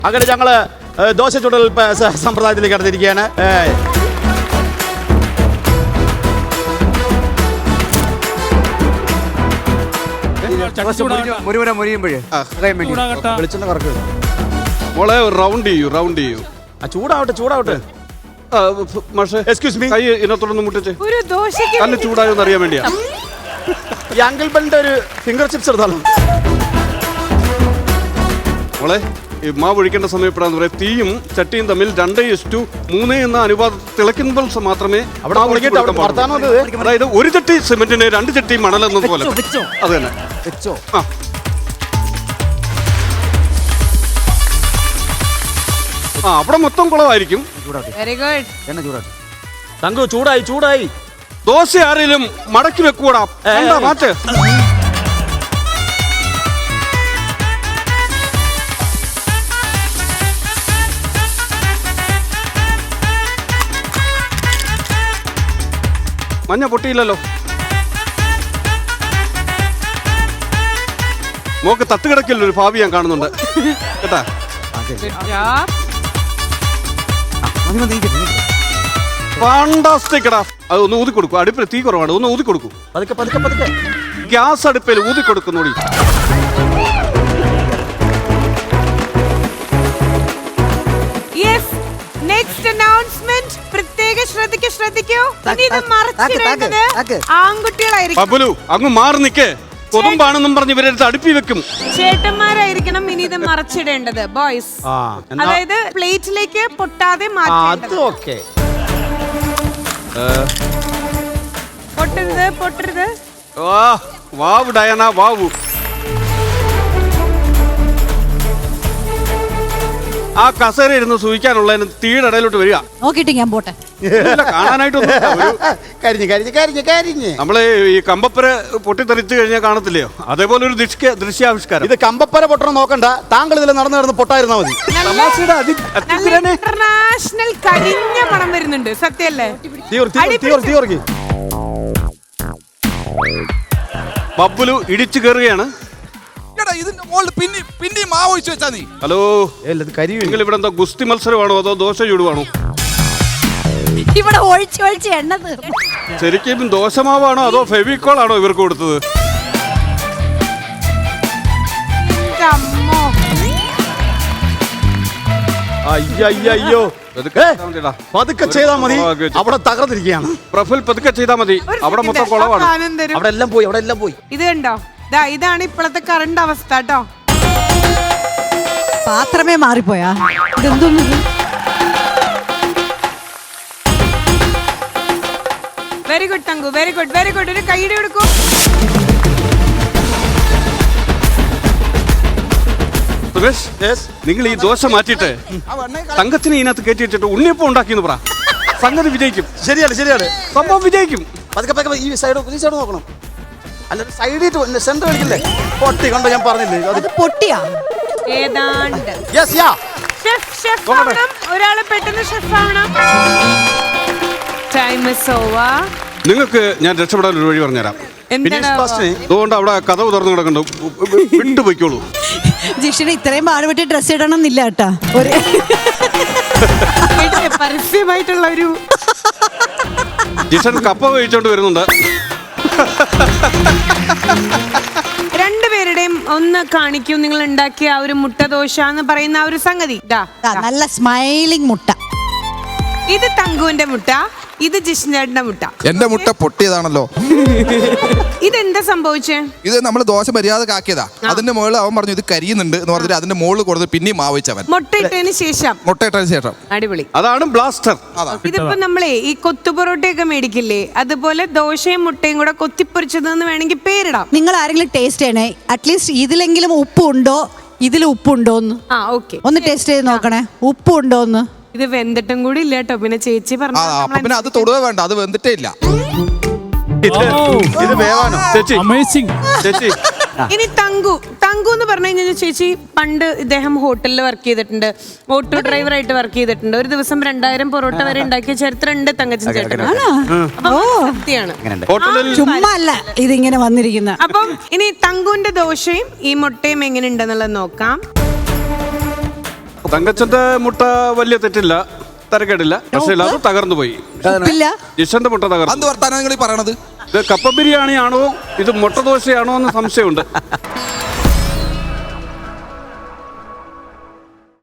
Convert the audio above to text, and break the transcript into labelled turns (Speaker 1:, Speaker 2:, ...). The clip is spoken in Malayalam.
Speaker 1: അങ്ങനെ ഞങ്ങള് ദോശ ചുടൽ സമ്പ്രദായത്തിലേക്ക് കടന്നിരിക്കുകയാണ്.
Speaker 2: മോളെ റൗണ്ട് ചെയ്യൂ.
Speaker 1: ചൂടാവട്ടെ.
Speaker 2: എക്സ്ക്യൂസ് മീ, കൈ ഇതിനകത്തോടൊന്ന് മുട്ടിച്ച്.
Speaker 3: ഒരു ദോശയ്ക്ക്
Speaker 2: കല്ല് ചൂടായോന്ന് അറിയാൻ വേണ്ടിയാ.
Speaker 1: ഈ അങ്കിൾ ബെന്റെ ഒരു ഫിംഗർ ചിപ്സ് എടുത്താലോ?
Speaker 2: മോളെ ഈ മാവ് ഒഴിക്കേണ്ട സമയപ്പെടാന്ന് പറയാം. തീയും ചട്ടിയും തമ്മിൽ 2:3 എന്ന അനുപാതം തിളയ്ക്കുമ്പോൾ മാത്രമേ അതായത് ഒരു ചട്ടി സിമെന്റിന് 2 ചട്ടി മണൽ എന്നതുപോലെ. അത് തന്നെ
Speaker 1: വെച്ചോ.
Speaker 2: അവിടെ മൊത്തം കുളമായിരിക്കും.
Speaker 3: Very good.
Speaker 1: എണ്ണ തങ്കു ചൂടായി.
Speaker 2: ദോശ ആരെങ്കിലും മടക്കി വെക്കൂടാ. മാറ്റ്. മഞ്ഞ പൊട്ടിയില്ലല്ലോ. മോക്ക് തട്ടുകിടക്കില്ല ഒരു ഭാവി ഞാൻ കാണുന്നുണ്ട് കേട്ടാ. ഫാന്റാസ്റ്റിക് എടാ. അത് ഒന്ന് ഊതി കൊടുക്കും. അടുപ്പിൽ തീ കുറവാണ്, ഒന്ന് ഊതി കൊടുക്കും.
Speaker 1: പതുക്കെ.
Speaker 2: ഗ്യാസ് അടുപ്പിൽ ഊതി കൊടുക്കുന്നോടി.
Speaker 3: നെക്സ്റ്റ് അനൗൺസ്മെന്റ് പ്രത്യേക ശ്രദ്ധിക്കൂ. ഇനി ഇത് മറച്ചിടേണ്ടത് ആൺകുട്ടികളായിരിക്കും.
Speaker 2: ബബുലു അങ്ങ് മാറി നിക്കേ. കൊതുമ്പാണെന്നും പറഞ്ഞ് ഇവരെടുത്ത് അടുപ്പി വെക്കും.
Speaker 3: ചേട്ടന്മാരായിരിക്കണം ഇനി ഇത് മറച്ചിടേണ്ടത്. ബോയ്സ് അതായത് പ്ലേറ്റിലേക്ക് പൊട്ടാതെ മാറ്റേണ്ടത്. പൊട്ടരുത്.
Speaker 2: വാവ് ഡയന വാവു. ആ കസേര ഇരുന്ന് സൂഹിക്കാനുള്ളതിന് തീയുടെ ഇടയിലോട്ട് വരിക.
Speaker 4: നോക്കിട്ട് ഞാൻ പോട്ടെ.
Speaker 2: കാണാനായിട്ടൊന്നും
Speaker 1: കരിഞ്ഞ്
Speaker 2: നമ്മള് ഈ കമ്പപ്പര പൊട്ടിത്തെറിച്ചു കഴിഞ്ഞാൽ കാണത്തില്ലയോ, അതേപോലെ ഒരു ദൃശ്യാവിഷ്കാരം.
Speaker 1: ഇത് കമ്പപ്പര പൊട്ടണം നോക്കണ്ട. താങ്കൾ ഇതിൽ നടന്നു പൊട്ടായിരുന്നാ മതി.
Speaker 3: ഇന്റർനാഷണൽ കരിഞ്ഞ മണം വരുന്നുണ്ട്. സത്യല്ലേ?
Speaker 2: ബബ്ബുലു ഇടിച്ചു കയറുകയാണ്. ഹലോ, നിങ്ങൾ ഇവിടെ എന്താ ഗുസ്തി മത്സരമാണോ അതോ ദോശ ചൂടുവാണോ?
Speaker 4: ഇവിടെ ഒഴിച്ച് എണ്ണ തീർന്നു.
Speaker 2: ശരിക്കും ദോശമാവാണോ അതോ ഫെവിക്കോൾ ആണോ ഇവർക്ക് കൊടുത്തത്?
Speaker 1: അയ്യോ പതുക്കെ ചെയ്താ മതി. അവിടെ തകർന്നിരിക്കുകയാണ്.
Speaker 2: പ്രഫുൽ പതുക്കെ ചെയ്താ മതി. അവിടെ മൊത്തം കുളവാണ്.
Speaker 1: അവിടെ എല്ലാം പോയി.
Speaker 3: ഇത് കണ്ടോ? ഇതാണ് ഇപ്പോഴത്തെ കറണ്ട് അവസ്ഥ കേട്ടോ.
Speaker 4: പാത്രമേ മാറിപ്പോയാ. ഇതെന്തോന്നു?
Speaker 3: Very good thank you, very good. ഒരു കൈയ്യടി കൊടുക്കൂ.
Speaker 2: നിങ്ങൾ ഈ ദോശ മാറ്റിയിട്ട് തങ്കത്തിനെ ഇതിനകത്ത് കയറ്റി വെച്ചിട്ട് ഉണ്ണിയപ്പം ഉണ്ടാക്കിയെന്ന് പറ. സംഗതി വിജയിക്കും.
Speaker 1: ശരിയാണ്.
Speaker 2: സംഭവം വിജയിക്കും.
Speaker 1: പതുക്കെ ഈ സൈഡ് നോക്കണം. അല്ല സൈഡിൽ സെന്റർ കളിക്കില്ലേ? പൊട്ടി കണ്ടോ? ഞാൻ പറഞ്ഞില്ലേ
Speaker 4: അത് പൊട്ടിയാ.
Speaker 3: ഏതാണ്ട് ഷെഫ് ആവണം. ഒരാള് പെട്ടെന്ന് ഷെഫ് ആവണം. Time is over.
Speaker 2: നിങ്ങൾക്ക് ഞാൻ രക്ഷപ്പെടാൻ ഒരു വഴി പറഞ്ഞുതരാം. അതുകൊണ്ട് അവിടെ കഥ തുറന്നു കിടക്കണ്ടോ, വിട്ടുപോയിക്കോളൂ.
Speaker 4: ജിഷിന് ഇത്രയും പാടുപെട്ടി ഡ്രസ് ഇടണം എന്നില്ല കേട്ടാ.
Speaker 3: പരസ്യമായിട്ടുള്ള ഒരു
Speaker 2: ജിഷൻ കപ്പ കഴിച്ചോണ്ട് വരുന്നുണ്ട്.
Speaker 3: രണ്ടുപേരുടെയും ഒന്ന് കാണിക്കൂ. നിങ്ങൾ ഉണ്ടാക്കിയ ആ ഒരു മുട്ട ദോശ എന്ന് പറയുന്ന ആ ഒരു സംഗതി.
Speaker 4: നല്ല സ്മൈലിംഗ് മുട്ട.
Speaker 3: ഇത് തങ്കുവിന്റെ മുട്ട, ഇത് ജിഷ്ണേട്ടന്റെ മുട്ട.
Speaker 5: എന്റെ മുട്ട പൊട്ടിയതാണല്ലോ.
Speaker 3: ഇതെന്താ സംഭവിച്ചേ?
Speaker 5: ഇത് നമ്മൾ ദോശ മര്യാദക്ക് ആക്കിയതാ. അതിന്റെ മുകളിൽ അവൻ പറഞ്ഞു ഇത് കരിയുന്നുണ്ട് എന്ന് പറഞ്ഞിട്ട് അതിന്റെ മുകളിൽ കൊടുത്ത് പിന്നെയും മാവിച്ചവൻ.
Speaker 3: മുട്ടയിട്ടതിന് ശേഷം.
Speaker 5: അടിപൊളി.
Speaker 2: അതാണ് ബ്ലാസ്റ്റർ.
Speaker 3: ഇതിപ്പോ നമ്മളെ ഈ കൊത്തുപൊറോട്ടയൊക്കെ മേടിക്കില്ലേ, അതുപോലെ ദോശയും മുട്ടയും കൂടെ കൊത്തിപ്പൊരിച്ചതെന്ന് വേണമെങ്കിൽ പേരിടാം.
Speaker 4: നിങ്ങൾ ആരെങ്കിലും ടേസ്റ്റ് ചെയ്യണേ. അറ്റ്ലീസ്റ്റ് ഇതിലെങ്കിലും ഉപ്പുണ്ടോ, ഇതിൽ ഉപ്പുണ്ടോന്ന് ഒന്ന് ടേസ്റ്റ് ചെയ്ത് നോക്കണേ. ഉപ്പുണ്ടോന്ന്.
Speaker 3: ഇത് വെന്തിട്ടും കൂടി ഇല്ല കേട്ടോ. പിന്നെ ചേച്ചി പറഞ്ഞു
Speaker 5: പിന്നെ അത് തൊടുക വേണ്ട, അത് വെന്തിട്ടേ ഇല്ല.
Speaker 2: ഇത് വേവാനോ ചേച്ചി? ചേച്ചി
Speaker 3: ഇനി തങ്കു എന്ന് പറഞ്ഞു കഴിഞ്ഞാൽ ചേച്ചി പണ്ട് ഇദ്ദേഹം ഹോട്ടലിൽ വർക്ക് ചെയ്തിട്ടുണ്ട്. ഓട്ടോ ഡ്രൈവറായിട്ട് വർക്ക് ചെയ്തിട്ടുണ്ട്. ഒരു ദിവസം 2000 പൊറോട്ട വരെ ഉണ്ടാക്കിയ ചരിത്രം ഉണ്ട് തങ്കച്ചൻ ചേട്ടൻ.
Speaker 4: ചുമ്മാ അല്ല ഇതിങ്ങനെ വന്നിരിക്കുന്ന.
Speaker 3: അപ്പം ഇനി തങ്കുവിന്റെ ദോശയും ഈ മുട്ടയും എങ്ങനെ ഉണ്ടെന്നുള്ളത് നോക്കാം.
Speaker 2: തങ്കച്ചന്റെ മുട്ട വലിയ തെറ്റില്ല, തരക്കേടില്ല, പക്ഷേ അത് തകർന്നു പോയി.
Speaker 4: ഉപ്പില്ല.
Speaker 2: ജിഷന്റെ മുട്ട
Speaker 5: എന്ത്
Speaker 2: തകർന്നു.
Speaker 5: വർത്താനം നിങ്ങൾ ഈ പറയണത്?
Speaker 2: ഇത് കപ്പ ബിരിയാണി ആണോ ഇത് മുട്ട ദോശയാണോ എന്ന് സംശയമുണ്ട്.